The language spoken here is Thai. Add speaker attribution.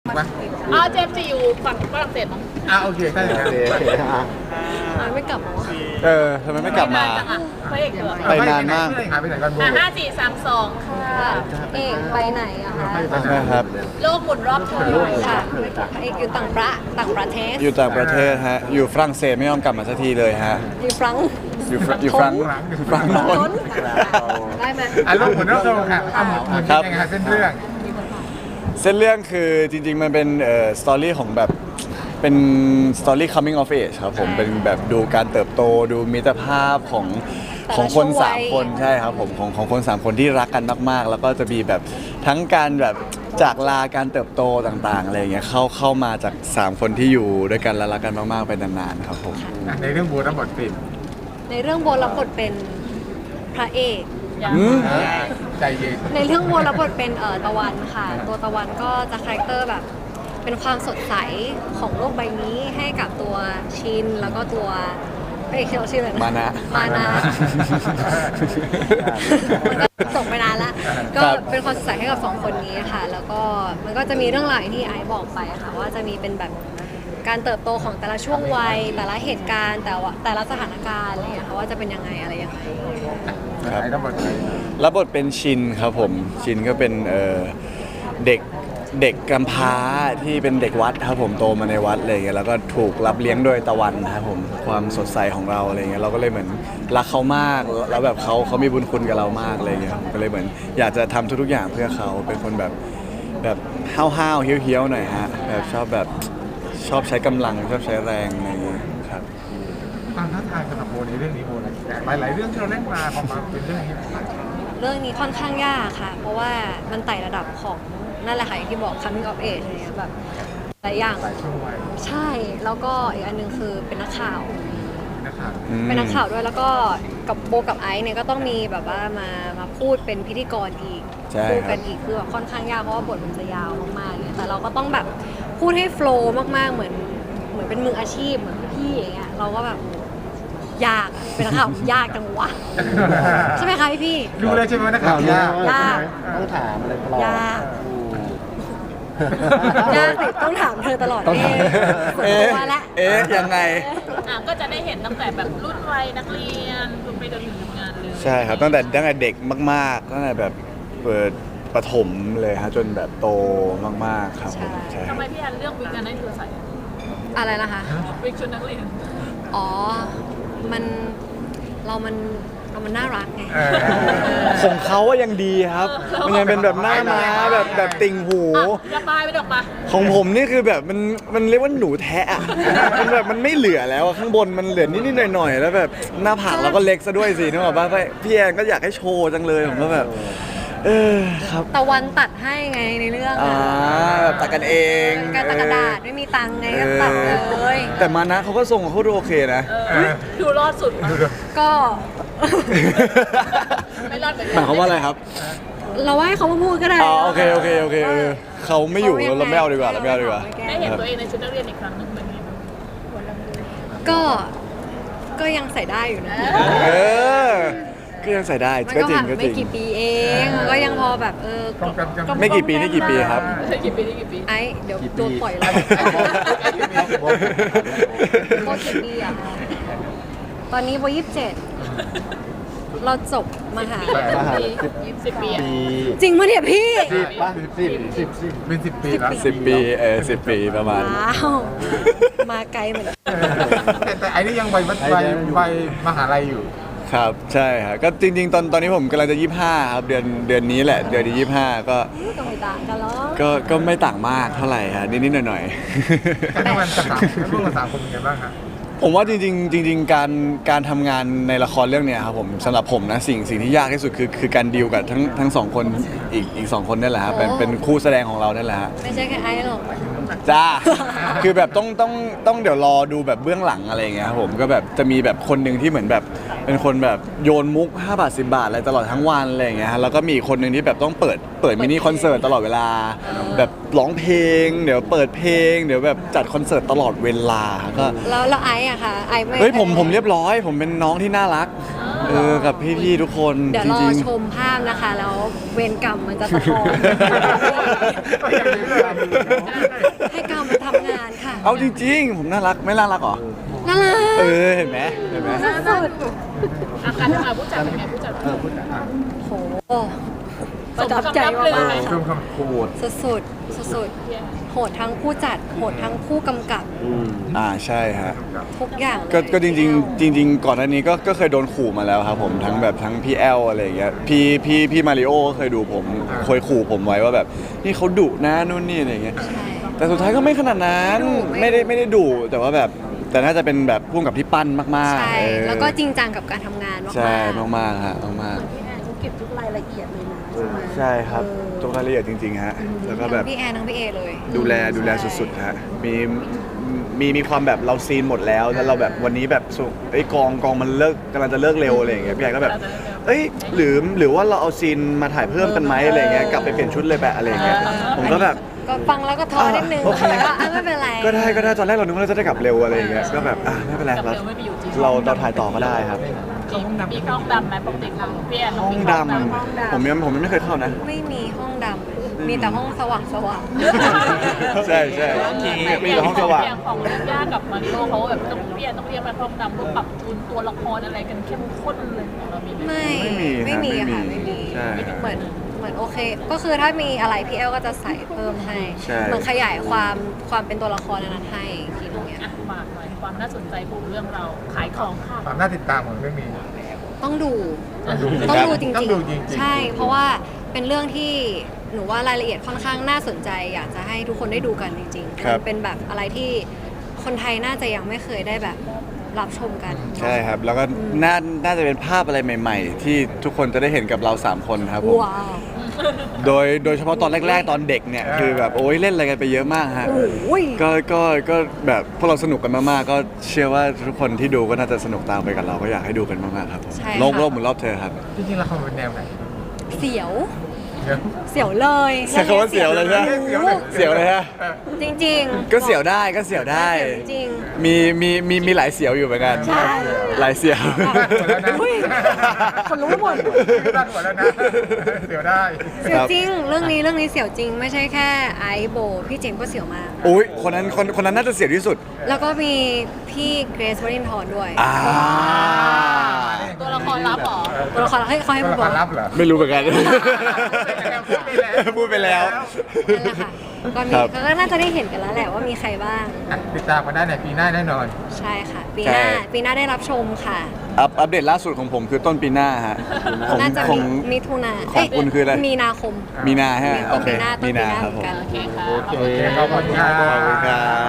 Speaker 1: ปะ
Speaker 2: เจมส์จะอยู่ฝั่งฝรั่งเศสมั้ง
Speaker 1: โอเคใช่เลย
Speaker 3: ไม่กลับมา
Speaker 4: ทำไมไม่กลับมา
Speaker 2: จังอ่ะพระเอกเหรอ
Speaker 4: ไปนานมาก
Speaker 1: หายไปไหนกันโบ
Speaker 2: 5 4 3 2ค่ะ
Speaker 3: เอกไปไหนอะคะ
Speaker 4: นะครับ
Speaker 2: โลกหมุนรอบเธอ
Speaker 3: ค่ะพระเอกอยู่ต่างประเทศ
Speaker 4: อยู่ต่างประเทศฮะ อยู่ฝรั่งเศสไม่ยอมกลับมาสักทีเลยฮะ
Speaker 3: อยู่ฟรังก์
Speaker 4: อยู่ฝรั่งโน้น
Speaker 3: ได้ไหม
Speaker 1: ลูกหมุนรอบโลกค่ะหมุนยังไงเส้นเรื่อง
Speaker 4: เส้นเรื่องคือจริงๆมันเป็นสตอรี่ของแบบเป็นสตอรี่ coming of age ครับผมเป็นแบบดูการเติบโตดูมิตรภาพของคน3คนใช่ครับผมของคน3คนที่รักกันมากๆ แล้วก็จะมีแบบทั้งการแบบจากลาการเติบโตต่างๆอะไรอย่างเงี้ยเข้ามาจาก3คนที่อยู่ด้วยกันและรักกันมากๆไปนานๆครับผม
Speaker 1: ในเรื่องโบรับบทปิด
Speaker 3: ในเรื่องโบรับบทเป็นพระเอก
Speaker 1: ใจเย็น
Speaker 3: ในเรื่องโบรับบทเป็นตะวันค่ะ ตัวตะวันก็จะคาแรคเตอร์แบบเป็นความสดใสของโลกใบนี้ให้กับตัวชินแล้วก็ตัวพระเอกที่เราชื่ออะไรนะ
Speaker 4: มานะ
Speaker 3: มานะ มันก็จบไปนานละก็เป็นความสดใสให้กับ2คนนี้ค่ะ แล้วก็มันก็จะมีเรื่องราวอย่างที่ไอซ์บอกไปค่ะว่าจะมีเป็นแบบการเติบโตของแต่ละช่วงวัยแต่ละเหตุการณ์แต่ละสถานการณ์อะไรอย่างเงี้ยค่ะว่าจะเป็นยังไงอะไรยังไง
Speaker 4: ครับ
Speaker 1: รับบท
Speaker 4: รับบทเป็นชินครับผมชินก็เป็นเด็กกำพร้าที่เป็นเด็กวัดครับผมโตมาในวัดอะไรอย่างเงี้ยแล้วก็ถูกรับเลี้ยงโดยตะวันนะครับผมความสดใสของเราอะไรเงี้ยเราก็เลยเหมือนรักเขามากแล้วแบบเขามีบุญคุณกับเรามากอะไรเงี้ยผมก็เลยเหมือนอยากจะทำทุกๆอย่างเพื่อเขาเป็นคนแบบห้าวๆเฮี้ยวๆหน่อยฮะแบบชอบใช้กำลังชอบใช้แรงอะไรอย่างเงี้ยครับ
Speaker 1: ความท้าทายสำหรับโบในเรื่องนี้โบนะหลายๆเรื่องที่เราเล่นมาพอมาเป็นเรื่องนี้
Speaker 3: เรื่องนี้ค่อนข้างยากค่ะ เพราะว่ามันไต่ระดับของนั่นแหละค่ะอย่างที่บอก coming of age อะไรเงี้ยแบบหลายอย่าง
Speaker 1: หลายช่วงวัย
Speaker 3: ใช่ แล้วก็อีกอันหนึงคือเป็นนักข่าว
Speaker 1: นะครับ
Speaker 3: เป็นนักข่าวด้วยแล้วก็กับโบกับไอซ์เนี่ยก็ต้องมีแบบว่ามาพูดเป็นพิธีกรอีก
Speaker 4: ใช่
Speaker 3: พูด
Speaker 4: ครั
Speaker 3: กับ นอีกคือแบบค่อนข้างยากเพราะว่าบทมันจะยาวมากๆเนี่ยแต่เราก็ต้องแบบพูดให้โฟล์มากๆเหมือนเป็นมืออาชีพเหมือนพี่อย่างเงี้ยเราก็แบบยากอะเป็นนักข่าวยากจังวะใช่ไหมคะพี่
Speaker 1: ดูเลยใช่ไหมนักข่าวยาก
Speaker 3: ยาก
Speaker 5: ต้องถามอะไรตลอด
Speaker 3: ยากยากสิต้องถามเธอตลอด
Speaker 4: ต้องถาม
Speaker 3: ส่วนตัวละ
Speaker 4: ยังไง
Speaker 2: ก็จะได้เห็นตั้งแต่แบบรุ่นวัยนักเรียนจนไปจนถึงทำงานเลย
Speaker 4: ใช่ครับตั้งแต่เด็กมากๆตั้งแต่แบบเปิดประถมเลยฮะจนแบบโตมากๆครับผมใช่ค
Speaker 2: ทำ
Speaker 4: รับ
Speaker 2: ไมพี่อันเลือกวิกอันให้เธอใส่
Speaker 3: อะไรนะคะ
Speaker 2: วิกชุดนักเรียน
Speaker 3: อ๋อ มันเรามันน่ารักไง
Speaker 4: ของเขาอะยังดีครับ มันยังเป็นแบบหน้าม้าแบบติ่งหู
Speaker 2: อย่าปลายไปดอกมา
Speaker 4: ของผมนี่คือแบบมันเรียกว่าหนูแทะอะมันแบบมันไม่เหลือแล้วอะข้างบนมันเหลือนิดๆหน่อยๆแล้วแบบหน้าผากเราก็เล็กซะด้วยสินึกออกปะพี่แอนก็อยากให้โชว์จังเลยผมก็แบบครับ
Speaker 3: ตะวันตัดให้ไงในเรื่อง
Speaker 4: แบบตัดกันเอง
Speaker 3: การตัดกระดาษไม่มีตังค์ไงก็ตัดเลย
Speaker 4: แต่มานะเขาก็ทรงเขาดูโอเคนะ
Speaker 2: ดูรอดสุด
Speaker 3: ก็
Speaker 2: ไม่รอดเหมือน
Speaker 4: หมายความว่าอะไรครับ
Speaker 3: เราให้เขามาพูดก็ได้
Speaker 4: โอเคเขาไม่อยู่เราไม่เอาดีกว่าเราไม่เอาดีกว่า
Speaker 2: ได้เห็นตัวเองในชุดนักเรียนอีกครั้งหนึงเป็นไงบ้าง
Speaker 3: ก็ยังใส่ได้อยู่นะ
Speaker 4: ก็ยังใส่ได้
Speaker 3: มัน
Speaker 4: ก็
Speaker 3: ก็
Speaker 4: จริ
Speaker 3: แบ
Speaker 4: ง
Speaker 3: บ
Speaker 4: ก็จ
Speaker 3: ไม่
Speaker 4: ริง
Speaker 3: กี่ปีเองมันก็ยังพอแบบ
Speaker 4: ไม่กี่ปีนี่กี่ปีครับ
Speaker 2: กี่ปีนี่กี่ปี
Speaker 3: ไอ้เดี๋ยวโดนปล่อยแล้วโคตรกี่ปีอะคะตอนนี้โบ27 เราจบมหา
Speaker 2: 10 ปี
Speaker 5: ปี
Speaker 3: จริงปะเนี่ยพี่
Speaker 5: ป่ะสิบ
Speaker 1: เป็น10 ปีแล้ว
Speaker 4: 10 ปี10 ปีประมาณ
Speaker 3: ว้าว มาไกลเหมือนกัน
Speaker 1: แต่ไอ้นี่ยังวัยมหาลัยอยู่
Speaker 4: ครับใช่ครับก็จริงๆ ตอนนี้ผมกำลังจะ25ครับเดือนนี้แหละเดือนที่25ก็
Speaker 3: ก็ไม่ต่างกันหรอก
Speaker 4: ก็ไม่ต่างมากเท่าไหร่ฮะนิดๆหน่อยๆ
Speaker 1: การทำงานกับร่วมกับ3 คนเป็นไงบ้างครับ
Speaker 4: ผมว่าจริงๆการทำงานในละครเรื่องเนี้ยครับผมสำหรับผมนะสิ่งที่ยากที่สุดคือการดีลกับทั้งสองคนอีกสองคนนี่แหละครับเป็นคู่แสดงของเรานี่แหละฮะ
Speaker 3: ไม่ใช่แค่ไอ้หรอก
Speaker 4: จ้า คือแบบต้องเดี๋ยวรอดูแบบเบื้องหลังอะไรอย่างเงี้ยครับผมก็แบบจะมีแบบคนหนึ่งที่เหมือนแบบเป็นคนแบบโยนมุก5 บาท 10 บาทอะไรตลอดทั้งวันอะไรอย่างเงี้ยฮะแล้วก็มีอีกคนหนึ่งที่แบบต้องเปิดมินิคอนเสิร์ตตลอดเวลา แบบร้องเพลงเดี๋ยวเปิดเพลงเดี๋ยวแบบจัดคอนเสิร์ตตลอดเวลาก็
Speaker 3: แล้วไอ้อะค่ะไอ้ไม่
Speaker 4: เฮ้ยผมเรียบร้อยผมเป็นน้องที่น่ารักกับพี่ๆทุกคน
Speaker 3: เดี๋ยว
Speaker 4: จ
Speaker 3: รอ
Speaker 4: ริง
Speaker 3: ชมภาพนะคะ แล้วเวรกรรมมันจะสะท้อน ให้กรรมมันทำงานค่ะ
Speaker 4: ๆ เอาจริง ๆ ผมน่ารักไม่น่ารักเหรอ
Speaker 3: น่ารัก
Speaker 4: เห็นไหม
Speaker 3: สุด
Speaker 2: อาการทำงานผู้จัดเป็นไงผู้จัด
Speaker 1: พูดอ่ะ
Speaker 3: ๆโหประทับใจมากๆ
Speaker 1: เริ่
Speaker 3: ค่ะ
Speaker 1: มคำพูด
Speaker 3: สุดๆสุดๆโหดทั้งผู้จัดโหดทั้งผู้กำกับ
Speaker 4: ใช่ฮะ
Speaker 3: ทุกอย่างเลย
Speaker 4: ก็จริงๆก่อนหน้านี้ก็เคยโดนขู่มาแล้วครับผมทั้งแบบทั้งพี่แอลอะไรอย่างเงี้ยพี่มาริโอก็เคยดูผมเคยขู่ผมไว้ว่าแบบนี่เขาดุนะนู่นนี่อะไรอย่างเงี้ย
Speaker 3: ใช่
Speaker 4: แต่สุดท้ายก็ไม่ขนาดนั้น
Speaker 3: ไม่ดุ
Speaker 4: ไม่ได้ดุแต่ว่าแบบแต่น่าจะเป็นแบบพุ่งกับที่ปั้นมากๆ
Speaker 3: ใช่ แล้วก็จริงจังกับการทำงานมากๆ
Speaker 4: ใช่มากๆฮะมาก
Speaker 2: พี่แอนเขาเก็บทุกรายละเอียดเลยนะใช่ไหม
Speaker 4: ๆใช่ครับทุกรายละเอียดจริงๆฮะแล้วก็แบบ
Speaker 3: ทั้งพี่แอนทั้งพี่เอเลย
Speaker 4: ดูแลสุดๆฮะมีความแบบเราซีนหมดแล้วแล้วเราแบบวันนี้แบบสุไอ้ยกองมันเลิกกำลังจะเลิกเร็วอะไรอย่างเงี้ยพี่แอนก็แบบเอ้ยหรือว่าเราเอาซีนมาถ่ายเพิ่มกันไหมอะไรอย่างเงี้ยกลับไปเปลี่ยนชุดเลยแบบอะไรอย่างเงี้ยผมก็แบบ
Speaker 3: ก็ฟังแล้วก็ท้อนิดนึง
Speaker 4: โอเค
Speaker 3: แต่ก็ไม่เป็นไร
Speaker 4: ก็ได้ตอนแรกเรานึกว่าเราจะได้กลับเร็วอะไรอย่างเงี้ยก็แบบไม่เป็นไร
Speaker 2: กลับเร็วไม่ไปอยู่จริง
Speaker 4: เราถ่ายต่อก็ได้ครับ
Speaker 2: มีห้องดำไหมปกติค่ะพี่แอน
Speaker 4: ห้องดำผมยังไม่เคยเข้านะ
Speaker 3: ไม่มีห้องดำมีแต่ห้องสว่าง
Speaker 4: ใช่มีแต่ห้องสว่าง
Speaker 2: อย่างของเรื่องยากกับมาริโอเขาแบบต้องพี่แอนต้องเรียกมาห้องดำเพื่อปรับจูนตัวละครอะไรกันเข้มข้นเลยของเรามีไหม
Speaker 3: ไม่มี
Speaker 4: ไม่มี
Speaker 3: ค่ะไม่มี
Speaker 4: ใช่
Speaker 3: เหมือนโอเค ก็คือถ้ามีอะไรพี่แอลก็จะใส่เพิ่มให้
Speaker 4: ใช่
Speaker 3: เหมือนขยายความเป็นตัวละครนั้นให้อีกทีนึงเนี้ย
Speaker 2: อ่ะฝากหน่อยความน่าสนใจของเรื่องเราขายของค่ะ
Speaker 1: ความน่าติดตามของเรื่องนี้
Speaker 3: ต้องดู
Speaker 1: ต้องดู
Speaker 3: ต้องดูจ
Speaker 1: ต้อง
Speaker 3: ริง
Speaker 1: ดูจริงๆ
Speaker 3: ๆ ใช่ เพราะว่าเป็นเรื่องที่หนูว่ารายละเอียดค่อนข้างน่าสนใจ อยากจะให้ทุกคนได้ดูกันจริงๆ
Speaker 4: ครับ
Speaker 3: มันเป็นแบบอะไรที่คนไทยน่าจะยังไม่เคยได้แบบรับชมกัน
Speaker 4: ใช่ครับ แล้วก็น่าจะเป็นภาพอะไรใหม่ ๆ ที่ทุกคนจะได้เห็นกับเรา 3 คนครับผม
Speaker 3: ว้าว
Speaker 4: โดยเฉพาะตอนแรกๆ ตอนเด็กเนี่ยคือแบบโอ้ยเล่นอะไรกันไปเยอะมากฮะ
Speaker 3: โอ้ย
Speaker 4: ก็แบบพวกเราสนุกกันมากๆ ก็เชื่อว่าทุกคนที่ดูก็น่าจะสนุกตามไปกับเราก็อยากให้ดูกันมากๆครับผม
Speaker 3: ใช่
Speaker 4: โลก
Speaker 3: ค่ะ
Speaker 4: หมุนรอบเธอครับ
Speaker 1: จริงๆละครเป็นแนวไหน
Speaker 3: เสียว
Speaker 1: เดี๋ยว
Speaker 3: เสียวเลย
Speaker 4: ใช้คำว่าเสียวเลยใช่ไหม
Speaker 1: เสียวเลย
Speaker 4: เสียวเลยฮะ
Speaker 3: จริงๆ
Speaker 4: ก็เสียวได้ก็เสียวได้
Speaker 3: เสียวจริง
Speaker 4: มีหลายเสียวอยู่เหมือนกัน
Speaker 3: ใช่
Speaker 4: หลายเสียว
Speaker 3: อุ้ยคนรู้หมด
Speaker 1: ตั้งหัวแล้วนะเดี๋ยวได้
Speaker 3: เสียวจริง เรื่องนี้เสียวจริง ไม่ใช่แค่ไอซ์โบ พี่เจมส์ก็เสียวมาก
Speaker 4: อุ้ยคนนั้นน่าจะเสียวที่สุด
Speaker 3: แล้วก็มีพี่เกรซวรินทร์ด้วย
Speaker 2: ตัวละครลับเหรอ
Speaker 3: ตัวละครให้เขาให้
Speaker 1: ตัว
Speaker 3: พู
Speaker 1: ละ
Speaker 3: ด
Speaker 1: ค
Speaker 3: บอก
Speaker 1: รลับเหรอ
Speaker 4: ไม่รู้เหมือนกัน พูดไปแล้ว
Speaker 3: นั่นแหละค่ะก็มี
Speaker 4: ครับ
Speaker 3: ก็น่าจะได้เห็นกันแล้วแหละว่ามีใครบ้าง
Speaker 1: อ่ะติดตามกันได้ในปีหน้าแน่นอน
Speaker 3: ใช่ค่ะ ปีหน้า
Speaker 4: ใช่
Speaker 3: ปีหน้าได้รับชมค่ะ
Speaker 4: อัปเดตล่าสุดของผมคือต้นปีหน้าฮะของ
Speaker 3: น่าจะ
Speaker 4: ของ
Speaker 3: มิถุนา
Speaker 4: ของคุณคืออะไร
Speaker 3: มีนาคม
Speaker 4: มีนาฮะ
Speaker 3: ต้
Speaker 4: โอน เค
Speaker 3: ปีหน้าต้น
Speaker 4: มี
Speaker 3: ปี
Speaker 4: นา
Speaker 3: หน้า
Speaker 4: ครับ
Speaker 3: เหมื
Speaker 4: ผ
Speaker 3: อน
Speaker 4: ม
Speaker 3: กัน
Speaker 2: โอเคค่ะ
Speaker 1: โอเคขอบคุณครับ
Speaker 4: ขอบคุณครับ